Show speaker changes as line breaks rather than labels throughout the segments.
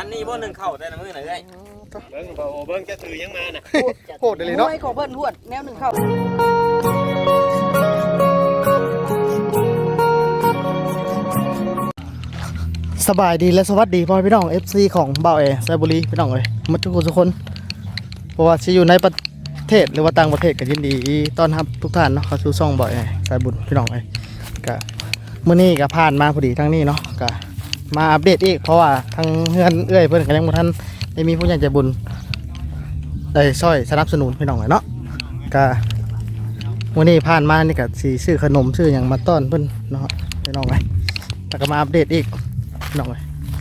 นี้บ่หนึ่งเข้าแต่ละมื้อน่ะเอ้ย
เบิ่งบ่โอ้เบิ่งจะถือยังมาน่ะ
โหดเลยเนาะ
มวยของเพิ่นหวดแนวหนึ่งเข้า
สบายดีและสวัสดีพ่อพี่น้อง FC ของบ่าวเอไซบุรีพี่น้องเอ้ยมาทุกคนเพราะว่าสิอยู่ในประเทศหรือว่าต่างประเทศก็ยินดีต้อนรับทุกท่านเนาะเข้าสู่ช่องบ่าวเอไซบุญพี่น้องเอ้ยก็มื้อนี้ก็ผ่านมาพอดีทั้งนี้เนาะก็มาอัปเดตอีกเพราะว่าทางเฮือนเอื้อยเพิ่นก็ยังบ่ทันได้มีผู้ใหญ่ใจบุญได้ช่วยสนับสนุนพี่น้องเอ้ยเนาะก็มื้อนี้ผ่านมานี่ก็สิซื้อขนมซื้อหยังมาต้อนเพิ่นเนาะพี่น้องเอ้ยแล้วก็มาอัปเดตอีกน้องเอ้ย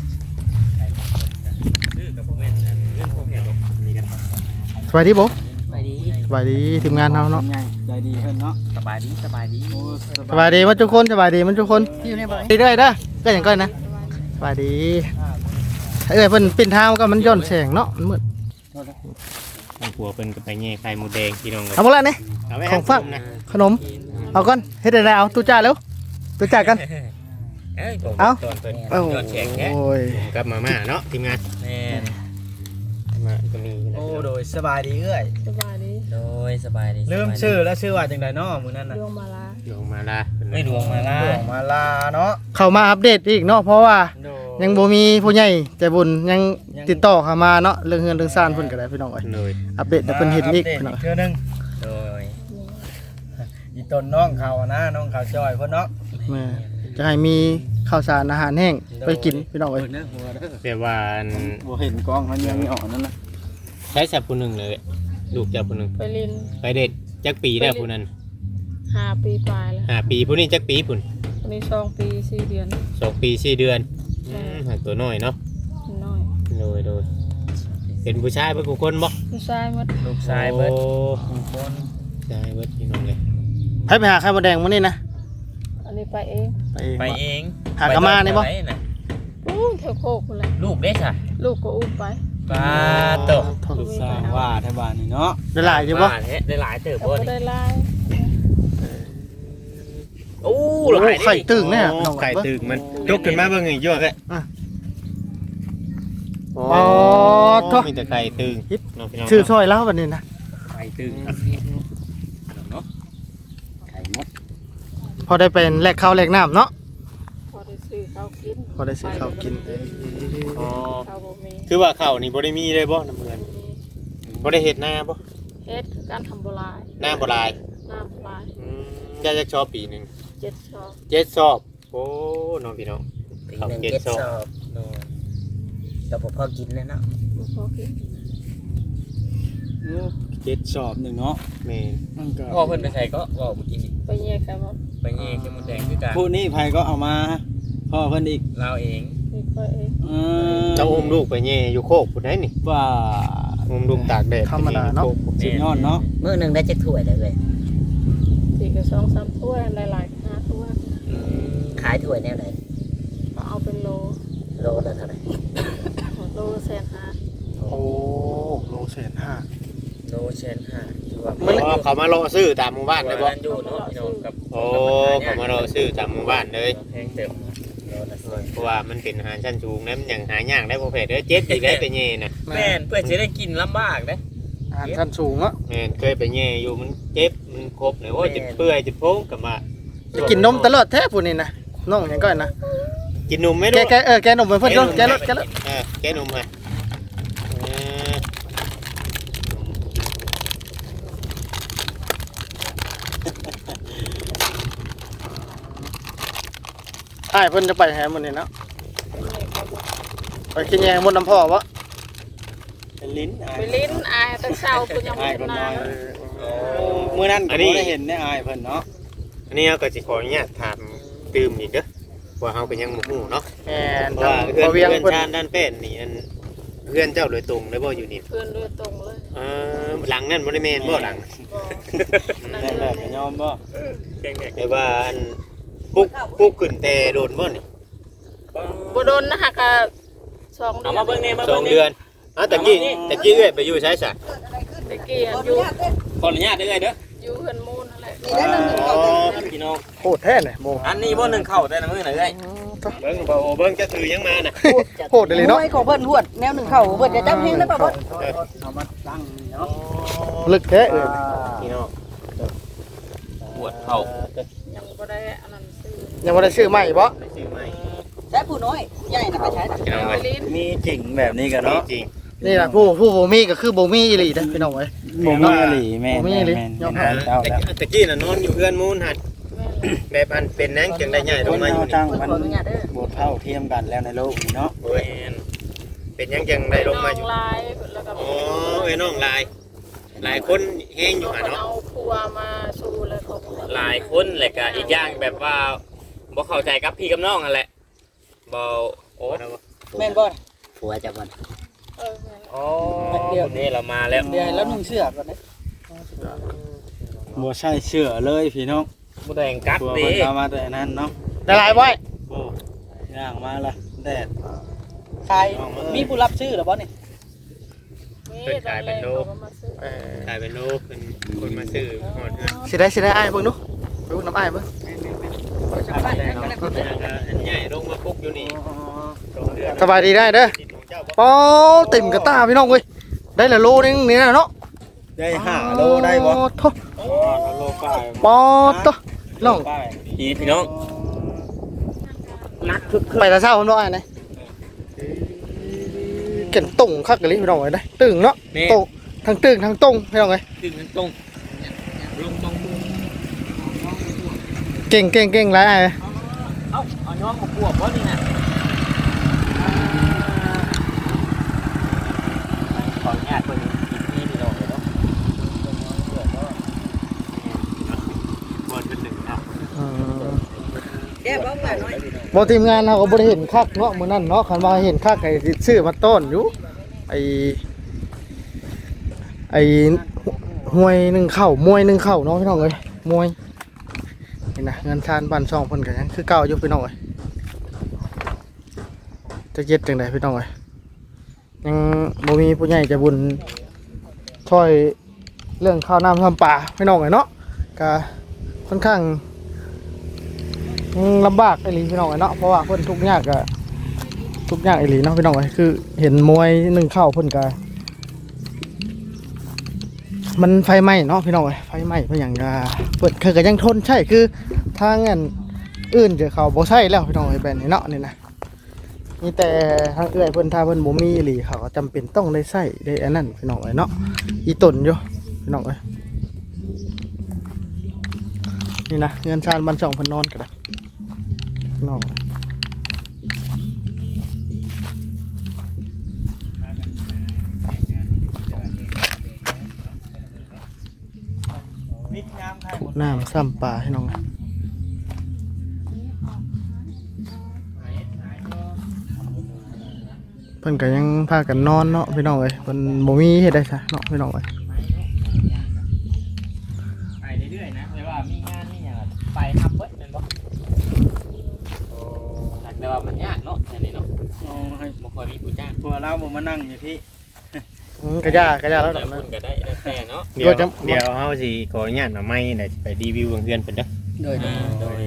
สบายดีบ่
ไปดี
สบายดีทีมงานเฮาเนาะ
ใจดีเพิ่นเนาะ
สบายดีสบายดี
สบายดีมันทุกคนสบายดีมันทุกคน
ที่อยู่ในบ่อย
ดีเด้อเด้อก็อย่างก้อยนะสบายดีเอ้ยเพิ่นปิ่นทางก็มันย้อนแสงเนาะมันมืด
ทางผัวเพิ่นก็ไปแย่ไข่หมูแดงพี่น้องเลย
เอาหมดแล้วนี่
เอาไว้
ของฝาก
นะ
ขนมเอาก่อนเฮ็ดได้เอาตู้จ่าเร็วตู้จ่ากัน
เอ้ย
เอา
ตอนเพิ่น
โอ้
ยอดแฉกแค่
โอ้ย
กับมาม่าเนาะทีมงาน
แม่น
มาก็มีนะ
โอ้โดยสบายดีเอ้ย
สบายดี
โดยสบายดี
ลืมชื่อแล้วชื่อว่าจังไดเนาะมื้อนั้นน่ะ
ดวงมาลา
ลงมาละ
ไม่ดวงมาล่า
หลวงมาลาเนาะ
เข้ามาอัปเดตอีกเนาะเพราะว่า
โด
ยังบ่มีผู้ใหญ่ใจบุญยังติดต่อเข้ามาเนาะเรื่องเฮือนเรื่องซ่านเพิ่นก็ได้พี่น้องเอ้ย
เลย
อัปเดตให้เพิ่นเห็นอีกพี่น้อง
เทื่อนึง
โดย
อีต้นน้องเขาอะนะน้องเขาจอยเพิ่นเนาะ
แม่จะให้มีข้าวสารอาหารแห้งไปกินพี่น้องเอ้ย
แต่ว่าอัน
บ่เห็นกล้องมันยังไม่ออกนั่นน่ะ
ใช้สับผู้หนึงเลยลูกเจ้าผู้หนึง
ไปลิน
ไปเด็ดจักปีแล้วผู้นั้น
5 ปีปลายแล้ว
ปีผู้นี้จักปีผู้น
วันนี้2 ปี 4 เดือน
2 ปี4 เดือนหาตัวน้อยเนาะ
น้อย
โดยเป็นผู้ชายเป็นผู้คนบ่
ผู้ชายหมด
ลูกชายเบิด
โอ้ชายเบิดพี่น้องเลย
ให้ไปหาไข่มดแดงมื้อนี้นะ
อันนี้ไปเอง
ไปเอง
หากะมานี่บ่
ไปไหน
อู้แถวโคกพุ่นแหละ
ลูกเด้จ้ะ
ลูกก็อุ้มไป
ปลาโต
ลูกสร้างว่าแถวบ้านนี่เนาะ
ได้หลายอยู่บ่
เฮ็ดได้หลายเติบ
แต่
บ่
ก็
นี่
ได้ลาย
โอ้
โอ้
หลาย
ไข่ตึงเนี่ย
โอ้ไข่ตึกมันยกขึ้นมาเบิ่งอีกยั่วแค่
อ๋อโถ่
มีแต่ไข่ตึงเนาะพี่น้อง
ชื่อซอยแล้วบัดนี้นะ
ไข่ตึงเนาะ
พอได้เป็นแลกข้าวแลกน้ำเนาะ
พอได้ซื้อข้าวกิน
พอได้ซื้อข้าวกิน
อ๋อ
ข้าวบ่มี
คือว่าข้าวนี่บ่ได้มีเลยบ่น้ำเงินบ่ได้เฮ็ดนาบ่
เฮ็ดคือการทำโบราณ
นาบ่หลาย
น้ำโบราณ
ยาจักชอบปีหนึง
7 ชอบ
7ซอบโอ้น้องพี่น้อง
ปี
ข้าว
หนึง
เจ็ด
7
ซอบ
ซอบโดยก็บ่พอกินเลยเนาะ
บ่พอกิน
7สอบหนึงเนาะ
แม่น
มันก็
พ่อเพิ่นไปใส่ก็เว้าเมื่อกี้นี่
ไปแยกกันหมด
ไปแย่ขี้มดแดงคือกัน
ผู้นี้ไผก็เอามาพ่อเพิ่นอีก
เราเอง
นี่ก็เอง
เจ้าอุ้มลูกไปแย่อยู่โคกพุ่นได้นี่
ว่า
อุ้มลูกตากแดด
ธรรมดาเนาะ
สุดยอดเนาะ
มื้อหนึงได้จักถ้วยเลยเว้ย
สี่ก็2-3ถ้วยหลายๆ5ถ้วย
ขายถ้วยแนวไหน
ก็เอาเป็นโล
โลละเท่าไหร่
โลละแสนห้า
โอ้โลเศษห้า
โลเชนห้าคือว่า
อ๋อเขามารอซื้อตามหมู่บ้านเลยบ่
อยู่เนาะพี่น้องกับ
โอ้เขามารอซื้อตามหมู่บ้านเลย
แพงเต็ม
เพราะว่ามันเป็นอาหารชั้นสูงนะมันอย่างหายากได้บ่แพ้เด้อเจ็บอีกได้ไปแย่น่ะ
แม่นเพื่อจะได้กินลำบากเด้
อาหารชั้นสูงเนาะ
แม่นเคยไปแย่อยู่มันเจ็บมันครบเลยโอ้ยจะเปื่อยจะโพ้งกลับมา
จะกินนมตลอดแท้ผู้นี้นะน้องหยังก้อยนะ
กินนมไหม่
แก
รู้
แกนมเพิ่นเด้อแกรถ
แกนมฮะ
อ้ายเพิ่นจะไปแหมื้อนี้เนาะไปกินแยงมดน้ำพ่อบ่
เป็นลิ้น
ไปลิ้นอายแต่เช้าคุณยังไม่
อาย
เห็น
คน
ห
น้
น้า
อยมื้อนั้นก็บ่ได้เห็นได้อายเพิ่นเนาะ
อันนี้เราก็สิขออนุญาตถามตื่มอีกเด้อว่าเฮาก็ยังบ่ฮู้เนาะ
แม่น
เพราะ
ทาง
ว่าเพื่อน
บ่เวียง
เพื่อน
เพิ่น
ชาญด้านเป็นนี่อันเพื่อนเจ้าโดยตรงเลยบ่อยู่นี่
เพื่อนด้วยตรงเลย
หลังนั่นบ่ได้แม่นบ่หลัง
นั่น
ได้
เล
แบบ
ย
ยอมบ่
แต่ว่าอันปุ๊กขึ้นแต่โดนบ่นี่
บโดนนะฮะกะ2 เดือน
เอามาเบิ่งนี่มา
ส
เบิ่
อง ง
นี่
เดือนตะกี้เอ้ยไปอยู่ใช้ซะ
ตะกี้อยู่
ขออนุญาตได้เลยเด้อ
อยู่เฮือนมูนนั่นแหละ
พี่น้อง
โคตรแท้เลยโม
อันนี้บ่หนึ่งเข้าแต่ละมื้อน่ะเอ้ย
เบิ่งบ่โอ้เบิ่งจะถือยังมาน่ะ
โหดเลยเนาะ
มวยของเพิ่นหวดแนวหนึ่งเข่าเพิ่นจะจับเฮงได้ป่ะบ่
เอามาตั้งเนาะ
ลึกแท้เอ้ย
พี่น้อง
ปวดเข่า
ยังบ่ได้อันนั้นซื้อ
ยังบ่ได้ชื่อใหม่บ่
ไปซื้อใหม่
ใช้ผู้น้อยใหญ่น่ะไปใช้น่ะ
พี่น้องเอ้ย
ลิ้น
มีจริงแบบนี้กัน
นี่
เนาะ
จริง
นี่ล่ะผู้บ่มีก็คือบ่มีอีหลีเด้อพี่น้องเอ้ย
บ่มีอีหลีแม่
บ่มีอีหลี
แม่
ยอม
แม่เจ้าแล้ว
ตะกี้น่ะนอนอยู่เพื่อนมูนหัด
แม่น
แบบอันเป็นนังจึงได้ใหญ่ลงมาอยู่นี่
ตั้ง
ขอ
มัน
อนุญาตเด้อ
บ่เท่าเทียมกันแล้วในโลกนี้เนาะ
โอ้ยเป็นยังจังได้ลงมาอยู่
น้ลายแล้วก็
อ๋อไอ้น้องหลายคนแห้งอยู่หาเนาะ
เอาครัวมาสู่เลยเขาบอก
หลายคนแหละก็อีกอย่างแบบว่าบ่เข้าใจกับพี่กับน้องนั่นแหละบ่โอ้
แม่นบ่ผัวจะบ่
แม่น
โอ้นี่เรามาแล้ว
เดี๋ยวแล้วนุ่งเสื้อก่อนนะ
บ่ใช่เชื่อเลยพี่น้อง
บ่ได้กัก
ตัว
ติ
เพิ่นเอามาแต่นั้นเนาะ
ได้หลายบ่
โอ้ย่างมาละแดด
ขายมีผู้รับซื้อหรือบ่นี่
มีตอนแรกเขาก็มาซื้อ
กลายเป็นโลกเป็นคนมาซื้อหอดเงิน
สิได้อ้ายเบิ่งดูไปเบิ่งน้ำอ้ายเบิ่ง
อันใหญ่ลงมาปุ๊บอยู่นี่ตรงเรือ
สบายดีได้เด้อ
ติดของเจ้าบ่
ป้อติ่มกระตาพี่น้องเว้ยได้ละโลนึงนี่นะเนาะ
ได้5โลได้บ่
โถ
โลป้าย
ปอตะน้อง
ป้าย
พี่น้อง
นักไปแต่เช้าผมน้อยนะเก่งตุ่งคักกะลิพี่น้องเอ้ยได้ตึงเนาะโตทั้งตึงทั้งตรงพี่น้องเอ้ย
ตึงตรงลงตรง
เก่งหลายอ้าย
เอาน้องมาปวดบ่นี่น่ะขออนุญาตเพิ่นกินพี่น้องเลยเนาะ
บอลเป็นหนึ่งครับ
แก้บ่มาน้อย
บ่ทีมงานเราก็บ่ได้เห็นคักเนาะมื้อนั้นเนาะคันว่าเห็นคักไอ้สิซื้อมาต้อนอยู่ไอ้หวยหนึ่งเข้ามวยหนึ่งเข้าเนาะพี่น้องเอ้ยมวยนี่นะเงินทานบ้านช่องเพิ่นก็ยังคือเก่าอยู่พี่น้องเอ้ยจะเย็ดจังไดพี่น้องเอ้ยยังบ่มีผู้ใหญ่ใจะบุญช่วยเรื่องข้าวน้ำทำป่าพี่น้องเอ้ยเนาะก็ค่อนข้างลำบากไอ้หลีพี่น้องเอ้ยเนาะเพราะว่าเพิ่นทุกข์ยากก็ทุกข์ยากไอ้หลีเนาะพี่น้องเอ้ยคือเห็นมวยหนึ่งเข้าเพิ่นก็มันไฟไหม้เนาะพี่น้องเอ้ยไฟไหม้เพราะอย่างเปิดคือก็ยังทนใช่คือทางอันอื่นจะเขาบ่ใช่แล้วพี่น้องเอ้ยแบบนี้เนาะนี่นะมีแต่ทางเอื้อยเพิ่นถ้าเพิ่นบ่มีอีหลีเขาก็จำเป็นต้องได้ใช้ได้อันนั้นพี่น้องเอ้ยเนาะอีตนอยู่พี่น้องเอ้ยนี่นะเงินชาญบ้านช่องเพิ่นนอนก็ได้พี่น้องน้ำซ้ำปลาให้น้องเพิ่นก็ยังพากันนอนเนาะพี่น้องเอ้ยเพิ่นบ่มีเฮ็ดได้ซะเนาะพี่น้องเอ้ย
ไปเรื่อยๆนะแต่ว่ามีงานนี่อย่างไปฮับเบิดแม่นบ่แต่ว่ามันยากเนาะอันนี้เนาะ
เอาให้
บ่ค่อยมีผู้จ้าง
พวกเราบ่มานั่งอยู่พี่
กระยากระยาแล้ว
แต่
ดอก
ค
นะ
นก็ได้แล้วแต่เนาะ
เดี๋ยวเฮาสิขออนุญาตมาไม่ได้ไปรีวิวเพื่อนเพิ่นเด้อ
โดย
โดย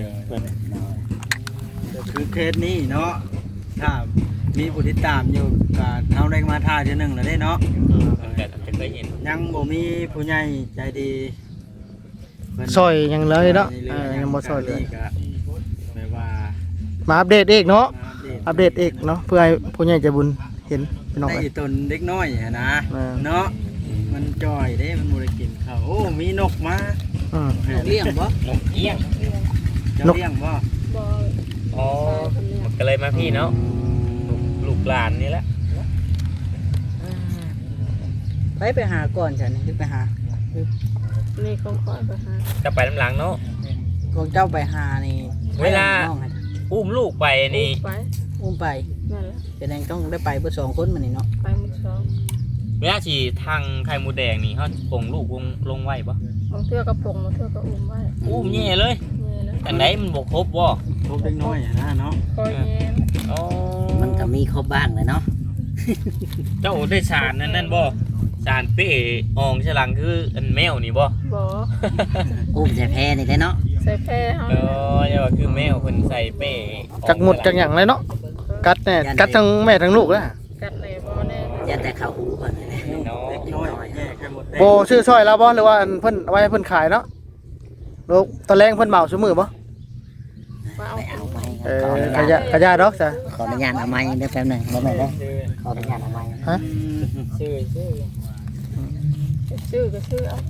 คือเคสนี้เนาะถ้ามีผู้ติดตามอยู่ก็เฮาได้มาท่าเทื่อหนึงแล้วเด้เนาะ
มันก็จะเคยเห็น
ยังบ่มีผู้ใหญ่ใจดีเพิ่น
ซอยยังเลยเนาะยังบ่ซอยเลย
ก็แปลว่า
มาอัปเดตอีกเนาะ
มา
อัปเดตอีกเนาะเพื่อให้ผู้ใหญ่ใจบุญเห็นพี่น้อง
ได้
เอ้ย
อีตนเด็กน้อยอะนะ
อ่า
เนาะมันจ่อยเด้มันบ่ได้กินข้าวโอ้มีนกมา
อืม
เลี้ยงบ่
นกเอี้ยง
เจ้าเลี้ยงบ่
บ่
อ๋อมันก็เลยมาพี่เนาะลูกหลานนี่แหละ
ไปหาก่อนฉันนี่ไปหา
นี่ของคอยไปหา
จะไปน้ำหลังเนาะ
ของเจ้าไปหานี่
เวลา
น้องให้
อุ้มลูกไปนี่
ไป
อุ้มไป
นั่นแหละ
แสดงต้องได้ไปเพื่อ2คนมื้อนี้เนาะ
ไปมื้อสอง
เวลาฉีทางไข่มูแดงนี่เขาปงลูกลงไว้ปะ
บางเทื่อก็ผงบางเทื่อก็อุ้มไว้
อุ้มแย่เลย
นี่แหละ
แต่ไหนมันบกครบบ่
พวกเด็กน้อยอะนะเนาะ
คอยแย้ม
อ๋อ
มันก็มีครบบ้างเลยเนาะ
เจ้าได้สารนั่นบ่สารเป้อองฉลังคืออันแมวนี่บ่
บ่
อุ้มใส่แพนี่แหละเนาะ
อ
ใส่แพร่เฮา
เอออย่าว่าคือแมวเพิ่นใส่เป้
จักหมดจักหยังเลยเนาะกัดแน่กัดทั้งแม่ทั้งลูกแล้ว
กัดเลยบ่แน่
อย่าแต่เข้าหูก่อนนะ
เนาะ
น้อยแยกกันหมด
โบชื่อซอยแล้วบ่หรือว่าอันเพิ่นเอาไว้ให้เพิ่นขายเนาะลูกตอนแรงเพิ่นเหมาซุมื้อบ่
ว่าเอา
ไปเอาไม้
กระยาดอกจ้ะ
ขออนุญาตเอาไม้เด้อแป๊บหนึงได้ไหมเด้อขออนุญาตเอาไม้
ฮะ
ชื่อ
ชื่อก็ชื่อเอา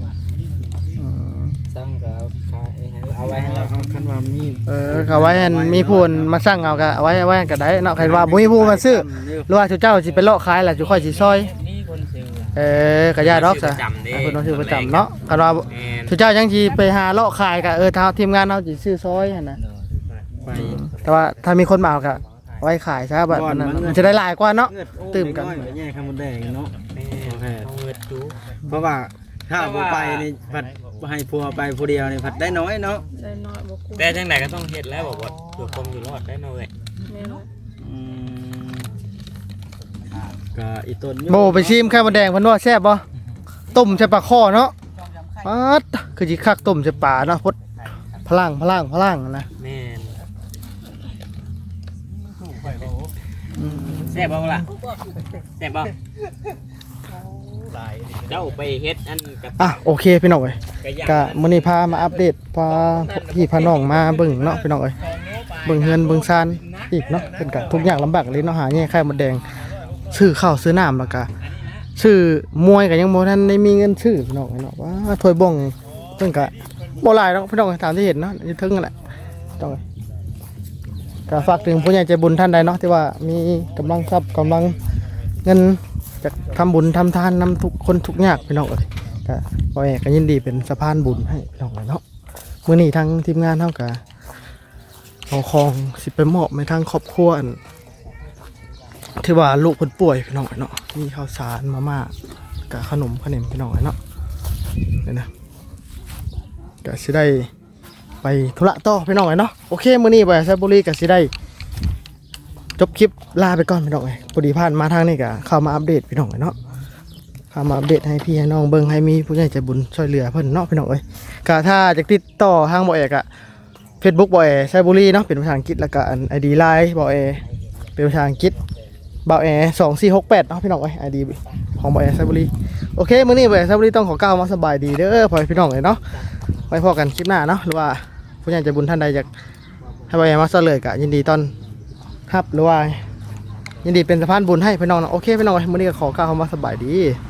สั่งก็ขายเอาไว้ให้เรา
เอาคันว่ามี
เขาไว้ให้มีผู้มาสั่งเอาก็เอาไว้ก็ได้เนาะใครว่าบ่มีผู้มาซื้อหรือว่าเจ้าสิไปเลาะขายล่ะสิค่อยสิซอย
นี่คนซื้อ
กระยาดอกจ้ะ
จำเด้
เพิ่นต้องซื้อประจำเนาะคันว่า
แม่น
เจ้ายังสิไปหาเลาะขายก็ทางทีมงานเฮาสิซื้อซอยหั่นน่ะ
ไป
แต่ว่าถ้ามีคนมาเอาก็ไว้ขายซะแบบนั้นมันจะได้หลายกว่าเนาะ ตื่มกัน
แยกกันหมดแดงเนาะ
แม่เอาเงินดู
เพราะว่าถ้าบ่ไปนี่ผัดให้ผัวไปผู้เดียวนี่ผัดได้น้อยเนาะ
ได้น้อยบ่คุ้ม
แต่จังไหนก็ต้องเฮ็ดแล้วบอกว่าเพื่อความอยู่รอดได้เนาะเว้ย
แม่น
อืมก็อีต้น
โบไปชิมไข่มดแดงเพิ่นว่าแซ่บบ่ต้มใส่ปลาข้อเนาะปัดคือสิคักต้มใส่ปลาเนาะพดพลังนะ
แม่นแซ่บบ่ล่ะแซ่บบ่เจ้าไปเฮ็ดอันกับ
อ่ะโอเคพี่น้องเอ้ย
กระยา
ก็มื้อนี้พามาอัปเดตพาพี่พาน้องมาเบิ่งเนาะพี่น้องเอ้ยเบิ่งเฮือนเบิ่งซานอีกเนาะเป็นก็ทุกอย่างลำบากเลยเนาะหาแง่ไข่มดแดงซื้อข้าวซื้อน้ำแล้วก็ซื้อมวยก็ยังบ่ทันได้มีเงินซื้อพี่น้องเนาะว่าถ้วยบ่งเพิ่นก็บ่หลายเนาะพี่น้องตามที่เห็นเนาะอยู่ถึงนั่นแหละต้อง ก็ฝากถึงผู้ใหญ่ใจบุญท่านใดเนาะที่ว่ามีกำลังทรัพย์กำลังเงินจะทำบุญทำทานนำทุกคนทุกยากพี่น้องเอ้ยก็พ่อแม่ก็ยินดีเป็นสะพานบุญให้พี่น้องเนาะมื้อนี้ทางทีมงานเฮาก็เอาของสิไปมอบให้ทางครอบครัวอันที่ว่าลูกเพิ่นป่วยพี่น้องเนาะมีข้าวสารมาม่ากับขนมพี่น้องเนาะนี่นะก็สิได้ไปธุระต่อพี่น้องเนาะโอเคมื้อนี้ไปไซบุรีก็สิได้จบคลิปลาไปก่อนพี่น้องพอดีผ่านมาทางนี้ก็เข้ามาอัปเดตพี่น้องเนาะเข้ามาอัปเดตให้พี่ให้น้องเบิ่งให้มีผู้ใหญ่ใจบุญช่วยเหลือเพิ่นเนาะพี่น้องก็ถ้าจะติดต่อทางบ่อเอกอะ Facebook บ่อเอไซบุรีเนาะเป็นภาษาอังกฤษแล้วก็อัน ID Line บ่อเอเป็นภาษาอังกฤษบ่อเอ2468เนาะพี่น้องID ของบ่อเอไซบุรีโอเคมื้อนี้บ่อเอไซบุรีต้องขอกล่าวมาสบายดีเด้อพ่อพี่น้องเนาะไว้พอกันคลิปหน้าเนาะหรือว่าผู้ใหญ่ใจบุญท่านใดอยากให้บ่อเอมาเสลยก็ยินดีต้อนรับหรือว่ายินดีเป็นสะพานบุญให้พี่น้องเนาะโอเคพี่น้องมื้อนี้ก็ขอกล่าวคำว่าสบายดี